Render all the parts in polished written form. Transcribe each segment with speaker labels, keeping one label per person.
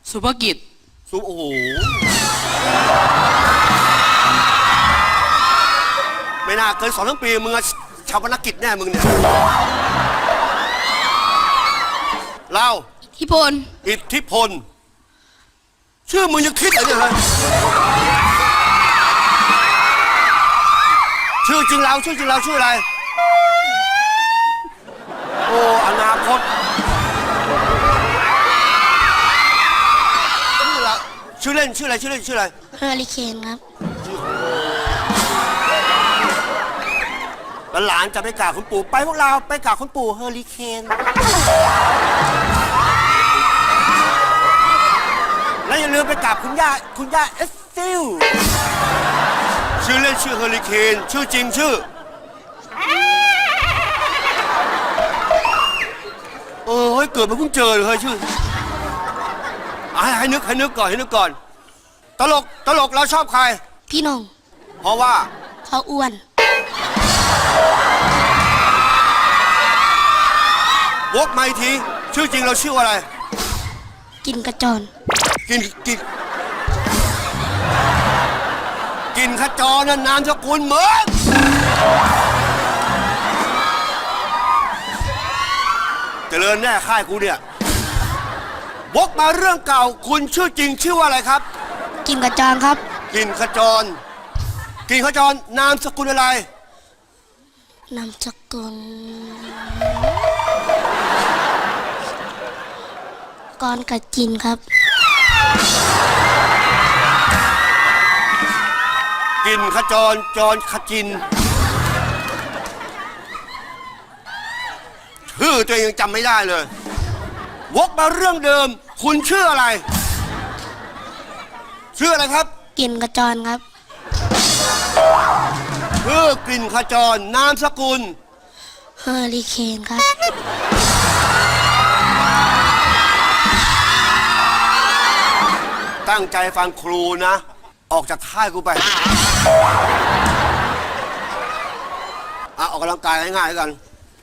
Speaker 1: สุภกิจ
Speaker 2: โอ้โหไม่น่าเกิน2 ปีมึงชาวพนักกิจแน่มึงเนี่ยเรา
Speaker 1: อิทธิพล
Speaker 2: อิทธิพลชื่อมึงยังคิดอะไรเนี่ยฮะชื่อจริงเราชื่ออะไรโอ้อนาคตชื่อเล่นชื่ออะไร
Speaker 3: เฮอริเคนครับ
Speaker 2: หลานจะไปกราบคุณปู่ไปพวกเราไปกราบคุณปู่เฮอริเคนแล้วอย่าลืมไปกราบคุณย่าเอสซิลชื่อเล่นชื่อเฮอริเคนชื่อจริงชื่อเฮ้ยเกิดมาเพิ่งเจอเลยเฮ้ยชื่อให้นึกก่อนตลกเราชอบใคร
Speaker 3: พี่นง
Speaker 2: เพราะว่า
Speaker 3: เขาอ้วน
Speaker 2: วกมาอีกทีชื่อจริงเราชื่ออะไร
Speaker 3: กินกระจร
Speaker 2: กินขจรนั่นนามสกุลเหมือนเจริญแน่ค่ายกูเนี่ยวกมาเรื่องเก่าคุณชื่อจริงชื่อว่าอะไรครับ
Speaker 3: กินกระจรครับ
Speaker 2: กินขจรนามสกุลอะไร
Speaker 3: นามสกุลกรกับจินครับ
Speaker 2: กินขจรขจินชื่อตัวเองจำไม่ได้เลยวกมาเรื่องเดิมคุณชื่ออะไรครับ
Speaker 3: กินกระจรครับ
Speaker 2: ชื่อกลิ่นขจรนามสกุล
Speaker 3: เฮอริเคนครับ
Speaker 2: ตั้งใจฟังครูนะออกจากค่ายกูไปออกกำลังกายง่ายๆกัน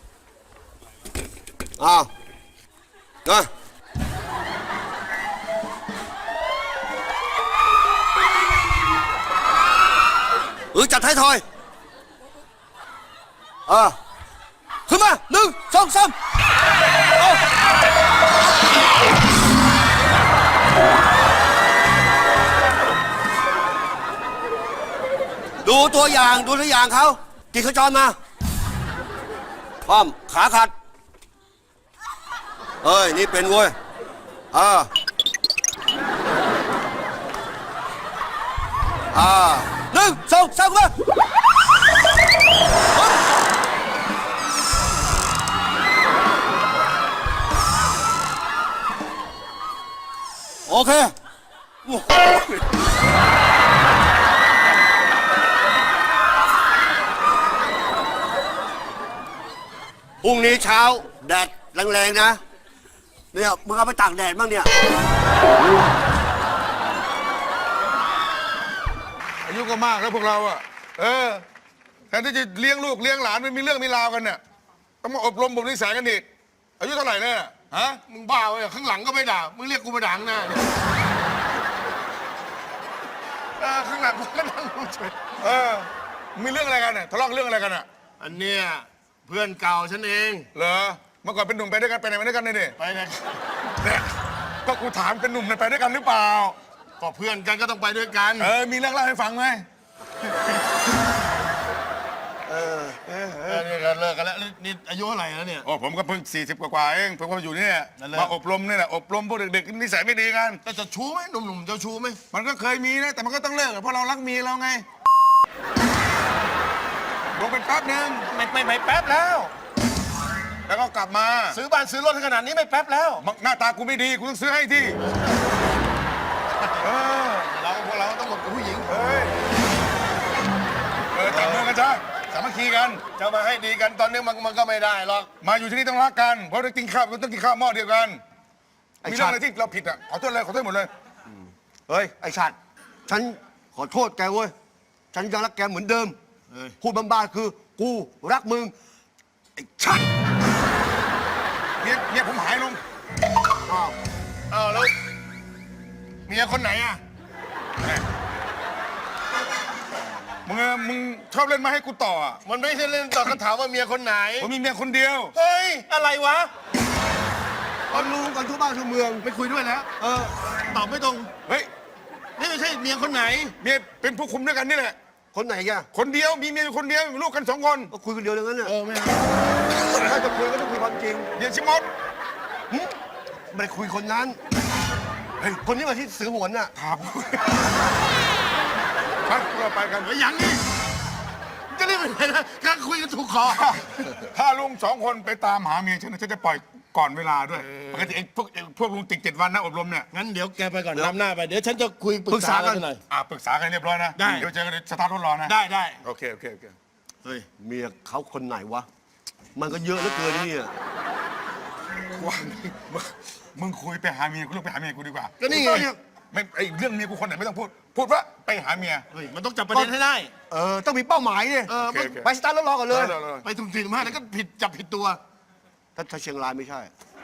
Speaker 2: นะจัดท้ายทอยขึ้นมา1 2 3ดูตัวอย่างเขากินขจรมาพร้อมขาขัดนี่เป็นเว้ย1 2 3มาโอเคพรุ่งนี้เช้าแดดแรงๆนะเนี่ยมึงเอาไปตากแดดบ้างเนี่ย
Speaker 4: อายุก็มากแล้วพวกเราอ่ะแทนที่จะเลี้ยงลูกเลี้ยงหลานไม่มีเรื่องมีราวกันเนี่ยต้องมาอบรมบ่มนิสัยกันอีกอายุเท่าไหร่เนี่ยฮะมึงบ้าเว้ยข้างหลังก็ไม่ด่ามึงเรียกกูมาด่าข้างหน้าข้างหลังมึงก็นั่งดูเฉยมีเรื่องอะไรกันเนี่ยทะเลาะเรื่องอะไรกันอ่ะ
Speaker 5: อันเนี้ยเพื่อนเก่าฉันเอง
Speaker 4: เหรอเมื่อก่อนเป็นหนุ่มไปด้วยกันไปไหนมาด้วยกันเนี่ย
Speaker 5: ไปไหน
Speaker 4: เนี่ยก็กูถามเป็นหนุ่มไปด้วยกันหรือเปล่า
Speaker 5: ก็เพื่อนกันก็ต้องไปด้วยกัน
Speaker 4: มีเรื่องเล่าให้ฟังไหม
Speaker 5: นี่เลิกกันแล้วนี่อายุเท่าไหร่แล้วเนี่ย
Speaker 4: ผมก็เพิ่ง40 กว่าเองผมก็อยู่นี่มาอบรมนี่แหละอบรมพวกเด็กๆนิสัยไม่ดีกัน
Speaker 5: แต่จะชู้ไหมหนุ่มๆจะชู้ไหม
Speaker 4: มันก็เคยมีนะแต่มันก็ต้องเลิกเพราะเรารักเมียเราไงลงเป็นแป๊บนึง
Speaker 5: ไม่แป๊บแล้ว
Speaker 4: แล้วก็กลับมา
Speaker 5: ซื้อบ้านซื้อรถขนาดนี้ไม่แป๊บแล้ว
Speaker 4: หน้าตากูไม่ดีกูต้องซื้อให้ที่
Speaker 5: พวกเราต้องหมดกับผู้หญิง
Speaker 4: จับมือกันจ้าสามัคคีกัน
Speaker 5: จะมาให้ดีกันตอนนี้มันก็ไม่ได้หรอก
Speaker 4: มาอยู่ที่นี่ต้องรักกันเพราะต้องกินข้าวหม้อเดียวกันมีเรื่องอะไรที่เราผิดอ่ะขอโทษหมดเลย
Speaker 2: ไอ้ชัดฉันขอโทษแกเว้ยฉันยังรักแกเหมือนเดิมพูดบ้าๆคือกูรักมึงไอ้ชัด
Speaker 4: เนี่ยผมหายลง
Speaker 5: แล้วมียคนไหนอ่ะ
Speaker 4: มึงชอบเล่นมาให้กูต่ออ่ะ
Speaker 5: มันไม่ใช่เล่นตอบคำถามว่าเมียคนไหน
Speaker 4: ผมมีเมียคนเดียว
Speaker 5: เฮ้ย อะไรวะ
Speaker 2: ตอนรู้กันทั่วบ้านทั่วเมือง
Speaker 5: ไม่คุยด้วยแล้ว ตอบไม่ตรง
Speaker 4: เฮ้ย
Speaker 5: นี่ไม่ใช่เมียคนไหน
Speaker 4: เมียเป็นผู้คุมด้วยกันนี่แหละ
Speaker 2: คนไหนแก
Speaker 4: คนเดียวมีเมียอยู่คนเดียวมีลูกกัน2 คน
Speaker 2: ก็คุยกันเดียวอย่างนั้นน่ะ
Speaker 5: ไม่เอา
Speaker 2: ถ้าจะคุยก็ต้องคุยความจริง
Speaker 4: เดี๋ยวชิมอน
Speaker 2: หึไม่ได้คุยคนนั้นเฮ้ยคนนี้มาที่สือหวนน่ะ
Speaker 4: ถามไปเราไปกัน
Speaker 5: เฮ้ยยังนี่จะรีบไปไหนนะกำลังคุยกันถูกคอ
Speaker 4: ถ้าลุง2 คนไปตามหาเมียฉันจะปล่อยก่อนเวลาด้วยปกติไอ้พวกลุงติด7 วันนะอบรมเนี่ย
Speaker 5: งั้นเดี๋ยวแกไปก่อนนำหน้าไป เดี๋ยวฉันจะคุยปรึกษากันหน่อย
Speaker 4: ปรึกษากันเรียบร้อยนะ
Speaker 5: ได้
Speaker 4: เดี๋ยวเจอกันในสตาร์ทรถรอนะ
Speaker 5: ได้ได้
Speaker 4: โอเค
Speaker 2: เฮ้ยเมียเขาคนไหนวะ มันก็เยอะเหลือเกินนี่อ่ะ
Speaker 4: ว่ามึงคุยไปหาเมียกูเรื่องไปหาเมียกูดีกว่า
Speaker 5: ก็นี่ไง
Speaker 4: ไม่ไอ้เรื่องเมียกูคนไหนไม่ต้องพูดว่าไปหาเมีย
Speaker 5: เฮ้ยมันต้องจับประเด็นให้ได้
Speaker 2: ต้องมีเป้าหมายเนี่ย
Speaker 5: เออ
Speaker 4: โอเคโอเค
Speaker 2: ไปสตาร์ทรถรอก่อนเลย
Speaker 4: ได้
Speaker 5: ไปทุ่มสี่มากแล้วก็ผิดจับผิดตัว
Speaker 2: ถ้าเชียงรายไม่ใช่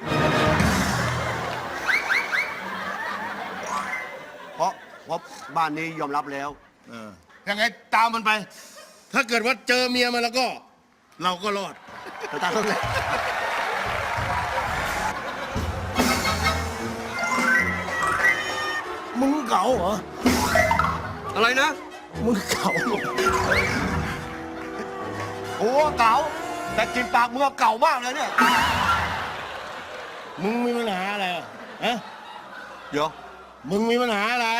Speaker 2: เพราะบ้านนี้ยอมรับแล้ว
Speaker 5: ยังไงตามมันไป ถ้าเกิดว่าเจอเมียมันแล้วก็ เราก็รอด
Speaker 2: ไปตามเขาเลย
Speaker 5: มึงเก๋าเหรอ
Speaker 2: อะไรนะ
Speaker 5: มึงเก๋า
Speaker 2: โอ้เก่า แต่กลินปากมึงอะเก่ามากเลยเนี่ย
Speaker 5: มึงมีปัญหาอะไรอ่ะฮะ
Speaker 2: เดี๋ยว
Speaker 5: มึงมีปัญหาอะไร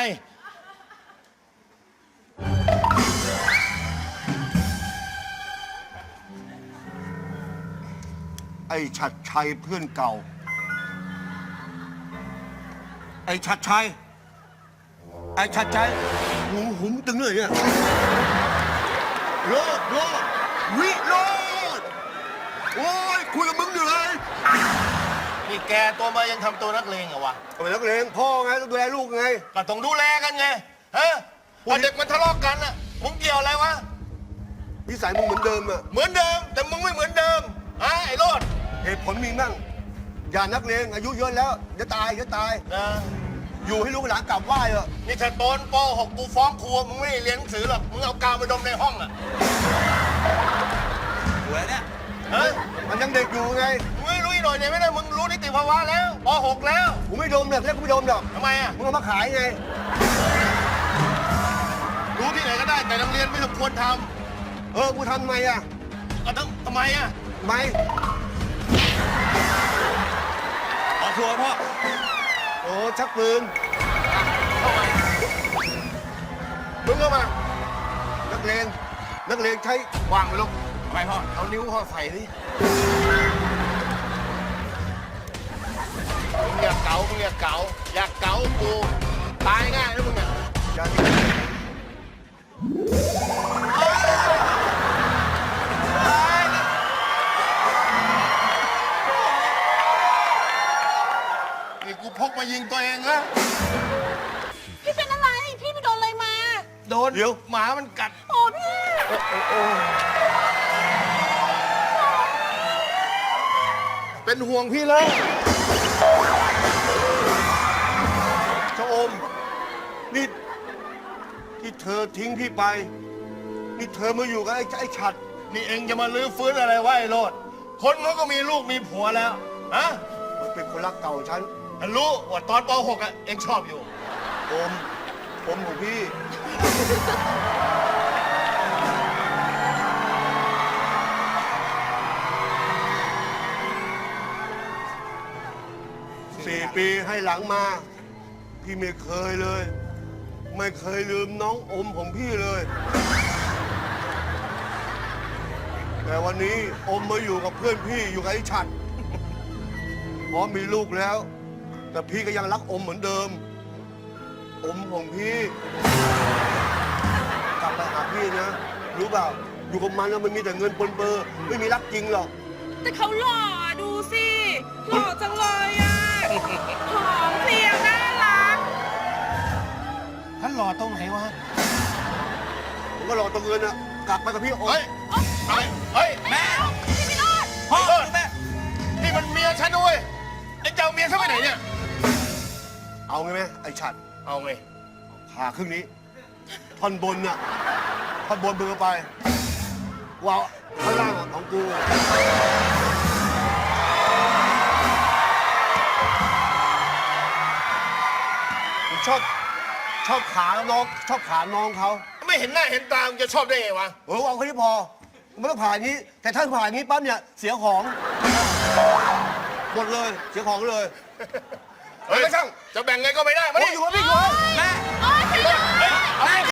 Speaker 2: ไอ้ชัดชัยเพื่อนเก่า ไอ้ชัดชัย หูหุมตึงเลยเนี่ยโลดวิโรดโอ้ยคุยกับมึงเหนื่อย
Speaker 5: นี่แกตัวมายังทำตัวนักเลงเหรอวะ
Speaker 2: ก็เป็นนักเลงพ่อไงต้องดูแลลูกไง
Speaker 5: ก็ต้องดูแลกันไง ฮะพอเด็กมันทะเลาะกันอ่ะ มึงเกี่ยวอะไรวะ
Speaker 2: นิสัยมึงเหมือนเดิมอะ
Speaker 5: เหมือนเดิม แต่มึงไม่เหมือนเดิมฮะไอ้โรด
Speaker 2: เหตุผลมีมั่งอย่านักเลงอายุเยอะแล้วจะตาย
Speaker 5: นะ
Speaker 2: อยู่ให้ลูกหลานกลับไหว้เถอะ
Speaker 5: นี่ถ้าโตนป .6 กูฟ้องครูมึงไม่ได้เรียนหนังสือหรอก มึงเอากาวมาดมในห้องอ่ะ
Speaker 2: หัวเนี่ย
Speaker 5: ฮะ
Speaker 2: มันยังเด็กอยู่ไง
Speaker 5: มึงไม่รู้อีกหน่อยเนี่ยไม่ได้ มึงรู้นิติภาวะแล้วป .6 แล้ว
Speaker 2: กูไม่ดมเนี่ยเรียกกูไม่ดมหรอก
Speaker 5: ทำไมอ่ะ
Speaker 2: มึงเอามาขายไง
Speaker 5: รู้ที่ไหนก็ได้ แต่โรงเรียนไม่สมควรท
Speaker 2: กูทำไมอะ
Speaker 5: ำก็ต้องทำไมอ่ะ
Speaker 2: ไม่
Speaker 5: ขอชัวร์พ่อ
Speaker 2: โอ้ชักปืน
Speaker 5: เข้ามามึงเข้ามา
Speaker 2: นักเลงใช้
Speaker 5: วางไปลูกทำไมพ่อ เอานิ้วพ่อใส่ดิมึงอยากเก๋าอยากเก๋ากูตายง่ายนะมึงเนี่ย
Speaker 2: ยา
Speaker 5: นี่กูพกมายิงตัวเองนะ
Speaker 1: พี่เป็นอะไร พี่ไปโดนอะไรมา
Speaker 5: โดนหมามันกัด
Speaker 1: โอ้พี่
Speaker 5: เป็นห่วงพี่เลย
Speaker 2: ชะอมนี่ที่เธอทิ้งพี่ไป นี่เธอมาอยู่กับไอ้ฉัด
Speaker 5: นี่เองจะมาลื้อฟื้นอะไรวะไอ้โรดคนเขาก็มีลูกมีผัวแล้วฮะ
Speaker 2: มันเป็นคนรักเก่าของฉัน
Speaker 5: ฉันรู้ว่าตอนป .6 อ่ะเองชอบอยู่
Speaker 2: อมของพี่ 4 ปีให้หลังมา พี่ไม่เคยเลย ไม่เคยลืมน้องอมของพี่เลย แต่วันนี้อมมาอยู่กับเพื่อนพี่อยู่กับไอ้ฉัดพอมีลูกแล้ว แต่พี่ก็ยังรักอมเหมือนเดิม อมของพี่ กลับไปหาพี่นะ รู้เปล่า อยู่กับมันแล้วมันมีแต่เงินปนเปื้อไม่มีรักจริงหรอก
Speaker 1: แต่เขาหล่ออะดูสิ หล่อจังเลยอ่ะ หอมเพรียวน่ารัก
Speaker 5: ท่านหล่อตรงไหนวะ
Speaker 2: ผมก็รอตรงเงินอะกลับไปกับพี่อม
Speaker 5: เฮ้ยเฮ้ยแม่
Speaker 1: พี่พิโรธ
Speaker 5: พ่อแม่นี่มันเมียฉันด้วยไอ้เจ้าเมียฉันไปไหนเนี่ย
Speaker 2: เอาไงไหมไอ้ฉัด
Speaker 5: เอาไง
Speaker 2: ผ่าครึ่งนี้ ท่อนบนน่ะท่อนบนมือไปว่าข้างล่างของกูผมชอบขาน้องชอบขาน้องเขา
Speaker 5: ไม่เห็นหน้าเห็นตามึงจะชอบได้ไงวะ
Speaker 2: เอาแค่นี้พอไม่ต้องผ่าอย่างนี้ แต่ถ้าผ่าอย่างนี้ปั๊บเนี่ยเสียของหมดเลยเสียของเลย
Speaker 5: เฮ้ยไม่ช่างจะแบ่งไงก็ไม่ได้มา
Speaker 2: โอ้
Speaker 5: ดิ
Speaker 2: ยอยู่กับพี่อยู่
Speaker 1: โอ๊ยช่วยด้วย
Speaker 5: เอา